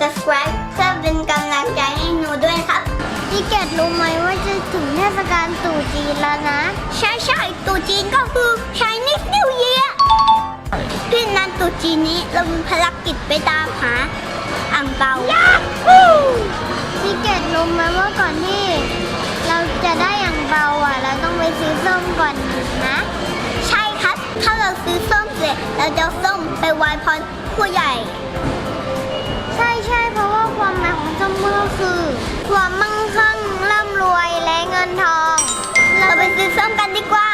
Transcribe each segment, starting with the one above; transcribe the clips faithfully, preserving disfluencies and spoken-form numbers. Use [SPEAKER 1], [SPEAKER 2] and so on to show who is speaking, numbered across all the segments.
[SPEAKER 1] subscribe เพื่อเป็นกำลังใจให้หนูด้วยครับพี่เกดรู้ไหมว่าจะถึงเทศกาลตรุษจีนแล้วนะใช่ใช่ตรุษจีนก็คือ Chinese New Year พี่นันตรุษจีนนี้เรามีภารกิจไปตามหาอ่างเปาพี่เกดรู้ไหมว่าก่อนที่เราจะได้อ่างเปาอ่ะเราต้องไปซื้อส้มก่อนนะใช่ครับถ้าเราซื้อส้มเสร็จเราจะส้มไปไหว้พรผู้ใหญ่ใช่ใช่เพราะว่าความหมายของส้มก็คือความมั่งคั่งร่ำรวยและเงินทองเราไปซื้อส้มกันดีกว่า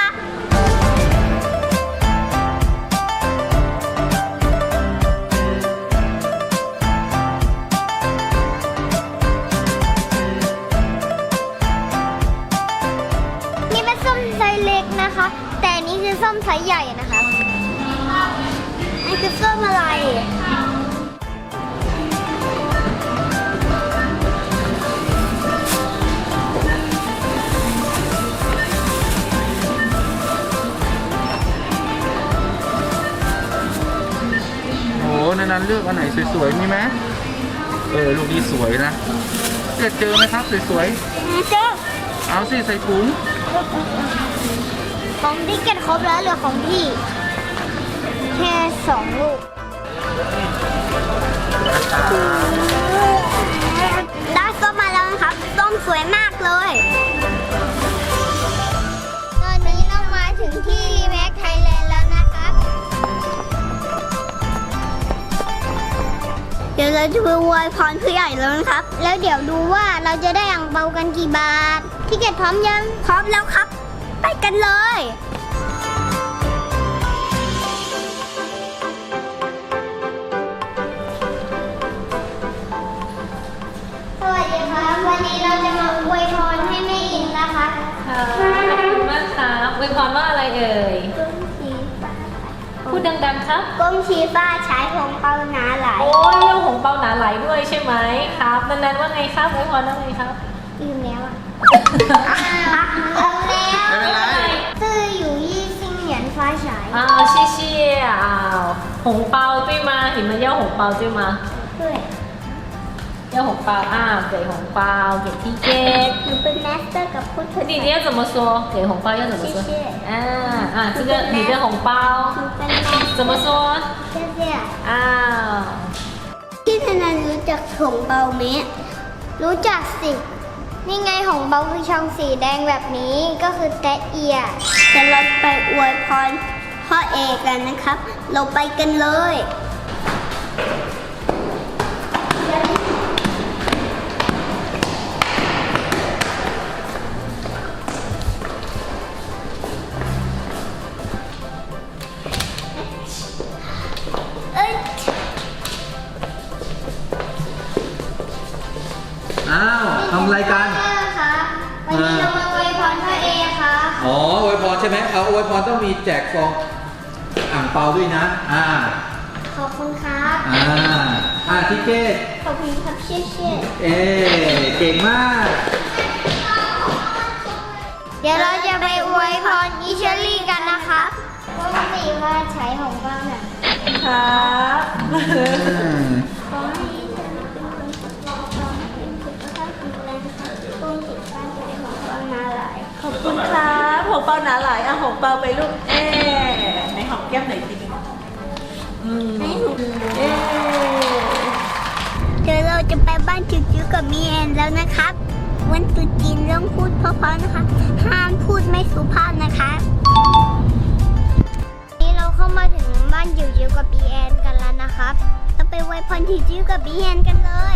[SPEAKER 1] นี่เป็นส้มไซส์เล็กนะคะแต่อันนี้คือส้มไซส์ใหญ่นะคะนี่คือส้มอะไร
[SPEAKER 2] ในนั้นเลือกอันไหนสวยๆมีไหมเออลูกนี้สวยนะเจอเจอไหมครับสวยๆเจอเอาสิใส่ถุง
[SPEAKER 1] ของพี่เก็ตครบแล้วเหลือของพี่แค่สองลูกได้ส้มมาแล้วนะครับส้มสวยมากเลยตอนนี้เรามาถึงที่รีแม็กไทยแลนด์แล้วนะครับเดี๋ยวเราจะไปไหว้พรผู้ใหญ่แล้วนะครับ แล้วเดี๋ยวดูว่าเราจะได้อ่างเปากันกี่บาทพี่เกดพร้อมยังพร้อมแล้วครับไปกันเลยสวัสดีครับวันนี้เราจะมาอวยพรให้แม่อินนะคะ
[SPEAKER 3] ค่ะขอบคุณมากครับอวยพรว่าอะไรเอ่ยพูดดังๆครับ
[SPEAKER 1] ก้มชี้ฟ้าใช้หงเปาหนาไหล
[SPEAKER 3] โอ้ยเรื่องหงเปาหนาไหลด้วยใช่ไหมครับนั้นๆว่าไงครับอวยพรว่าไงครับ
[SPEAKER 1] ลืมแล้วอ่ะลืมแล้ว
[SPEAKER 2] ไม่เป็นไร
[SPEAKER 1] ซื่ออยู่ยี่ซิงเหรียญฟ้าฉาย
[SPEAKER 3] อ้าว谢谢อ้าวหงเปา对吗你们要红包对吗
[SPEAKER 1] 对
[SPEAKER 3] 要红包啊给红包给 ticket
[SPEAKER 1] หนูเป็นแมสเตอร์กับพูดถึง
[SPEAKER 3] 你你要怎么说给红包要怎么说啊啊这个你的红包怎么说
[SPEAKER 1] 谢谢
[SPEAKER 3] อ้าว
[SPEAKER 1] พี่ธนันรู้จักหงเปาไหมรู้จักสินี่ไงหงเปาคือช่องสีแดงแบบนี้ก็คือแตะเอียจะเราไปอวยพรพ่อเอกกันนะครับเราไปกันเลย
[SPEAKER 2] อ้าวทำอะไรกัน
[SPEAKER 1] วันนี้เรามาอวยพรพ่อเอค่ะ
[SPEAKER 2] อ๋ออวยพรใช่ไหมเอาอวยพรต้องมีแจกซองอ่างเปาด้วยนะอ่า
[SPEAKER 1] ขอบคุณครับ
[SPEAKER 2] อ่าอ่าทิเกต
[SPEAKER 1] ขอบคุณครับเชี่ยเชี่ย
[SPEAKER 2] เอ๊เก่งมาก
[SPEAKER 1] เดี๋ยวเราจะไปอวยพรอิชลี่กันนะคะก็สีว่าใช้ของบ้างน่ะ
[SPEAKER 3] ครับ
[SPEAKER 1] ขอให้ฉันเป็นคนทดลองทำให้สุขภาพแข็งแรงค่ะต้นติดบ้านใหญ่ของบ้านนาหลาย
[SPEAKER 3] ขอบคุณครับหงเปาหนาหลายอ่ะหงเปาไปลูกเอ๊ในหอมแก้มไหนทีนึงอืม
[SPEAKER 1] ให้หนูเอ๊เดี๋ยวเราจะไปบ้านจิ๋วๆกับมีแอนแล้วนะครับวันตรุษจีนต้องพูดเพราะๆนะคะห้ามพูดไม่สุภาพนะคะนี่เราเข้ามาถึงบ้านจิ๋วๆกับบีแอนกันแล้วนะครับเราไปไหว้พรจิ๋วๆกับบีแอนกันเลย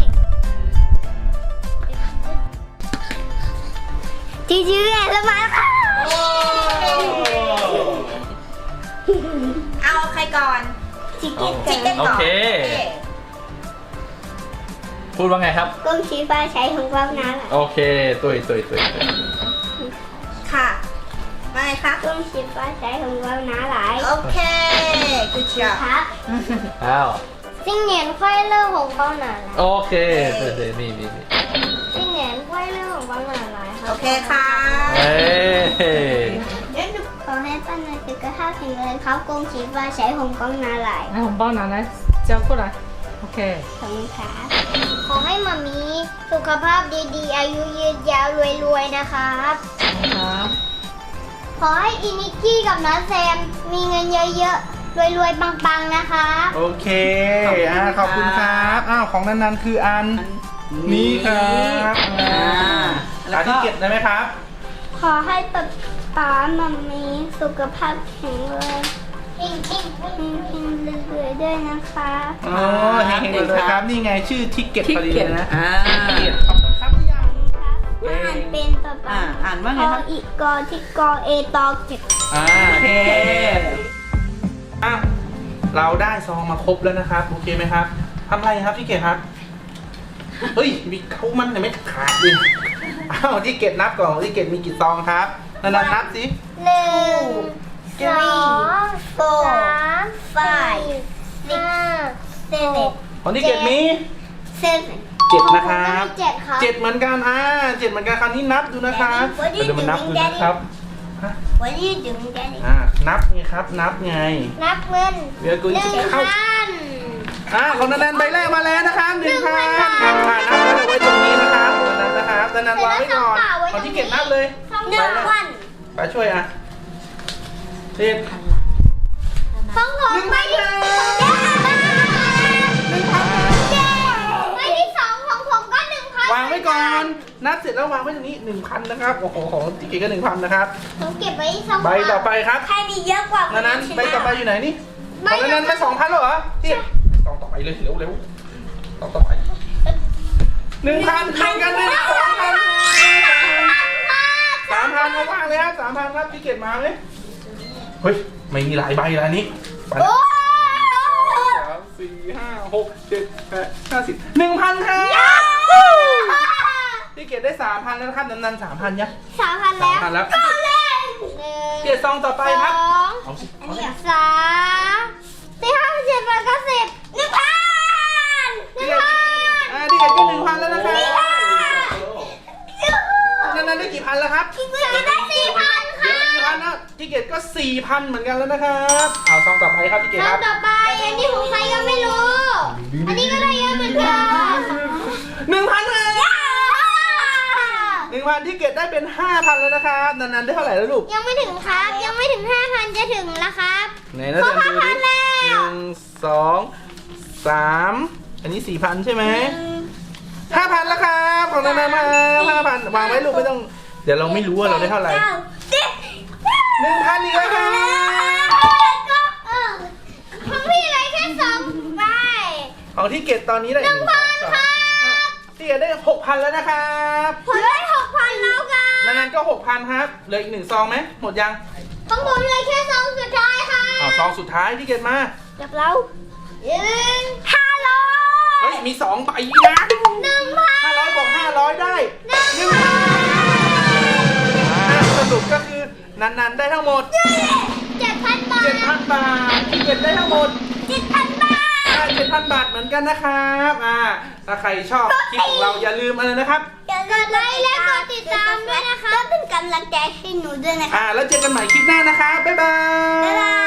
[SPEAKER 1] จิ๋วๆแอนแล้วมาแล้วค่ะ
[SPEAKER 3] เอาใครก่อน
[SPEAKER 1] จิกเก็ตก่อน
[SPEAKER 2] โอเคพูดว่าไงครับ
[SPEAKER 1] ก้มชี้ฟ้าใช้ของความน้า
[SPEAKER 2] โอเคตุยตุยตุย
[SPEAKER 1] ค่ะว่าไงคะก้มชี้ฟ้าใช้ของความน้าหลาย
[SPEAKER 3] โอเคกูเชียร์
[SPEAKER 1] ครับ
[SPEAKER 2] อ้าว
[SPEAKER 1] ซิงเหนียนควายเรื่องของความหนาหลาย
[SPEAKER 2] โอเคเดี๋ยวนี่นี่
[SPEAKER 1] ซิงเหนียนควายเรื่องของความหนาหลาย
[SPEAKER 3] โอเคค่ะ
[SPEAKER 2] เฮ้
[SPEAKER 1] ขอให้ป้านาสุขภาพแข็งแรงครับก้มชี้ฟ้าใช้ของความหนาหลาย
[SPEAKER 3] 红包拿来交过来 OK
[SPEAKER 2] เค
[SPEAKER 1] ขอบคุณครับขอให้มามีสุขภาพดีๆ อายุยืนยาวรวยๆนะครับ
[SPEAKER 3] ครับ
[SPEAKER 1] ขอให้อินิกกี้กับน้าแซมมีเงินเยอะๆ รวยๆ ปังๆ นะคะ
[SPEAKER 2] โอเคอ่าขอบคุณครับอ้าวของนันๆคืออันนี้ครับ
[SPEAKER 3] อ่า
[SPEAKER 2] แล้
[SPEAKER 3] แล้ว ว
[SPEAKER 2] ที่
[SPEAKER 3] ก็
[SPEAKER 2] เก็บได้ไหมครับ
[SPEAKER 1] ขอให้ป๊าป๊ามามีสุขภาพแข็งแรงเฮงๆเฮงๆรวยๆด้วยนะคะ
[SPEAKER 2] อ๋อเฮงๆเลยครับ นี่ไงชื่อทิกเก็ต
[SPEAKER 3] ที่
[SPEAKER 2] พอดี
[SPEAKER 3] เก็
[SPEAKER 2] เล
[SPEAKER 3] บ
[SPEAKER 2] ยนะ
[SPEAKER 3] อ่า
[SPEAKER 2] ทิกเก็ตขอบคุณครับหรือยัง
[SPEAKER 1] ว่าอ่านเป็นป๊าป๊า
[SPEAKER 3] อ่าอ่านว่าไงครับ
[SPEAKER 1] ออีกกอที่กอเอตอเก็บ
[SPEAKER 2] อ่า
[SPEAKER 3] โอเค
[SPEAKER 2] อ้าวเราได้ซองมาครบแล้วนะครับ โอเคไหมครับทำไรครับที่เก็บครับ เฮ้ย มีเขามันยังไม่ขาดดิอ้าวที่เก็บนับก่อนที่เก็บมีกี่ซองครับนันๆนับสิ
[SPEAKER 1] หนึ่งสองสามสี่ห้าเจ็ด
[SPEAKER 2] ของที่เก็บมี
[SPEAKER 1] เจ็ด
[SPEAKER 2] เจ็ดนะครับ
[SPEAKER 1] เจ็ดครับ
[SPEAKER 2] เจ็ดเหมือนกันอ่าเจ็ดเหมือนกันคราวนี้นับดูนะครับ
[SPEAKER 1] What do you
[SPEAKER 2] เดี๋ยวมานับดูนะครับ
[SPEAKER 1] What do you do Daddy
[SPEAKER 2] อ่านับไงครับ นับไง
[SPEAKER 1] นับเงิน
[SPEAKER 2] เดี๋ยวกู
[SPEAKER 1] หนึ่ง
[SPEAKER 2] จะเข้า
[SPEAKER 1] พัน
[SPEAKER 2] อ่าของนันๆใบแรกมาแล้วนะครับหนึ่งพัน
[SPEAKER 1] หนึ่งพัน
[SPEAKER 2] อ่านับแล้วเดี๋ยวไว้ตรงนี้นะครับนันนะครับนันๆวางไว้ก่อน
[SPEAKER 1] แล้วก็ฝากไว้
[SPEAKER 2] ของที่เก็บนับเลย
[SPEAKER 1] หนึ่งพัน
[SPEAKER 2] ไปช่วยอ่ะเด็ด
[SPEAKER 1] ของผมไปที่หนึ่งพันไปที่สองของผมก็หนึ่งพัน
[SPEAKER 2] วางไว้ก่อน นับเสร็จแล้ววางไว้ตรงนี้หนึ่งพันนะครับ โอ้โหของที่เก็บก็หนึ่งพันนะครับ
[SPEAKER 1] ผมเก็บไว้สอง
[SPEAKER 2] ใบต่อไปครับ
[SPEAKER 1] ใครมีเยอะกว่า
[SPEAKER 2] นันนั้นใบต่อไปอยู่ไหนนี่
[SPEAKER 1] ใบ
[SPEAKER 2] ของนันนั้นไปสองพันแล้วเหรอที่สองต่อไปเลยเร็วเร็วสองต่อไปหนึ่งพันหนึ่งกันหนึ่งสองพันสามพันมาว่างเลยครับสามพันครับที่เก็บมาไหมเฮ้ยไม่มีหลายใบแล้วนี่ไป
[SPEAKER 1] โอ้
[SPEAKER 2] สามสี่ห้าหกเจ็ดแปดเก้าสิบหนึ่งพันครับที่เก็บได้สามพันแล้วนะครับนันนันสามพันยัง
[SPEAKER 1] สามพันแล้ว
[SPEAKER 2] สามพันแล้ว
[SPEAKER 1] ก็เล่น
[SPEAKER 2] เกียรติซองต่อไปครับ
[SPEAKER 1] สอง
[SPEAKER 2] เอาสิ
[SPEAKER 1] อันนี้สามสี่ห้าเจ็ดแปดเก้าสิบหนึ่งพันหนึ่งพัน
[SPEAKER 2] อ่าที่เก็บก็หนึ่งพันแล้วนะครับนันนันได้กี่พันแล้วครับ
[SPEAKER 1] พี่กุยจะได้สี่พัน
[SPEAKER 2] เดี๋ยว
[SPEAKER 1] ค่ะ
[SPEAKER 2] สี่พันนะที่เก็บก็สี่พันเหมือนกันแล้วนะครับเอาซองต่อไปครับที่เก็บ
[SPEAKER 1] แล้
[SPEAKER 2] คว รับ
[SPEAKER 1] ต่อไปอันนี้ของใครก็ไม่รู้ อันนี้ก็ได้เยอะเหมือนกัน
[SPEAKER 2] หนึ่งพันเลยหนึ่งพันที่เก็บได้เป็นห้าพันแล้วนะครับนันนันได้เท่าไหร่แล้วลูก
[SPEAKER 1] ยังไม่ถึงครับ ยังไม่ถึงห้าพันจะถึงแล้วครับ
[SPEAKER 2] ไหนนะเดี๋ยวดูดิ
[SPEAKER 1] ครบห้าพันแล้ว
[SPEAKER 2] หนึ่งสองสามอันนี้สี่พันใช่ไหมห้าพันแล้วครับของนันนันมาห้าพันวางไว้ลูกไม่ต้องเดี๋ยวเราไม่รู้ว่าเราได้เท่าไหร่
[SPEAKER 1] ก้สิบ
[SPEAKER 2] หนึ่งพันอีกแล้วครับ
[SPEAKER 1] ก็เออของพี่เลยแค่สองใบ
[SPEAKER 2] ของที่เก็บตอนนี้ได้หนึ่งพันครับที่เก็บได้หกพันแล้วนะครับ
[SPEAKER 1] ผมได้หกพันแล้วกัน
[SPEAKER 2] นันนันก็หกพันครับเหลืออีกหนึ่งซองไหมหมดยัง
[SPEAKER 1] ของผมเลยแค่สองสุดท้ายค่ะ
[SPEAKER 2] อ้าวซองสุดท้ายที่เก็บมา
[SPEAKER 1] กับเราหนึ่งห้าร้อย
[SPEAKER 2] เฮ้ยมีสองใบนะ
[SPEAKER 1] หนึ่งพัน
[SPEAKER 2] ห้าร้อยบวกห้าร้อยได้
[SPEAKER 1] หนึ่ง
[SPEAKER 2] หนึ่งพันอ่าสรุปก็คือนันนันได้ทั้งหมด
[SPEAKER 1] เจ็ดพันบาท
[SPEAKER 2] เจ็ดพันบาทที่เก็บได้ทั้งหมด
[SPEAKER 1] เจ็ดพันบาท
[SPEAKER 2] เจ็ดพันบาทเหมือนกันนะครับอ่าถ้าใครชอบคลิปของเราอย่าลืมอะไรนะครับ
[SPEAKER 1] อย่าลืมกดไลค์และกดติดตามด้วยนะคะก็เป็นกำลังใจให้หนูด้วยนะคะ
[SPEAKER 2] อ่าแล้วเจอกันใหม่คลิปหน้านะครับ บ๊ายบาย
[SPEAKER 1] บ๊ายบาย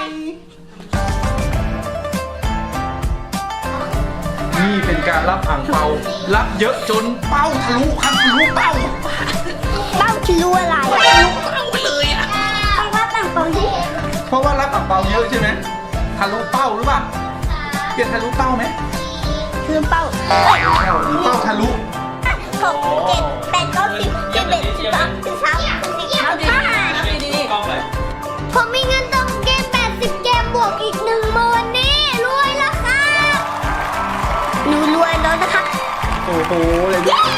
[SPEAKER 2] นี่เป็นการรับอ่างเปา รับเยอะจนเป้าทะลุครับทะลุเป้า
[SPEAKER 1] เป้าคิดรู้อะไร
[SPEAKER 2] ทะลุเป้าไปเลยอ่ะ
[SPEAKER 1] ต้องว่าต่างตรงที่
[SPEAKER 2] เพราะว่ารับอ่างเปาเยอะใช่ไหมทะลุเป้าหรือเปล่าเกียรติทะลุเป้าไหม
[SPEAKER 1] คือเป้า
[SPEAKER 2] เป้าหรือเป้าทะลุ
[SPEAKER 1] หกเจ็ดแปดเก้าสิบสิบเอ็ดสิบสองสิบสามสิบสี่สิบห้า
[SPEAKER 3] ดี
[SPEAKER 1] ผมมีเงินตรงเกมแปดสิบเกมบวกอีกหนึ่งหมื่นนี่รวยแล้วค่ะหนูรวยแล้วนะคะ
[SPEAKER 2] โอ้โหเลยด้วย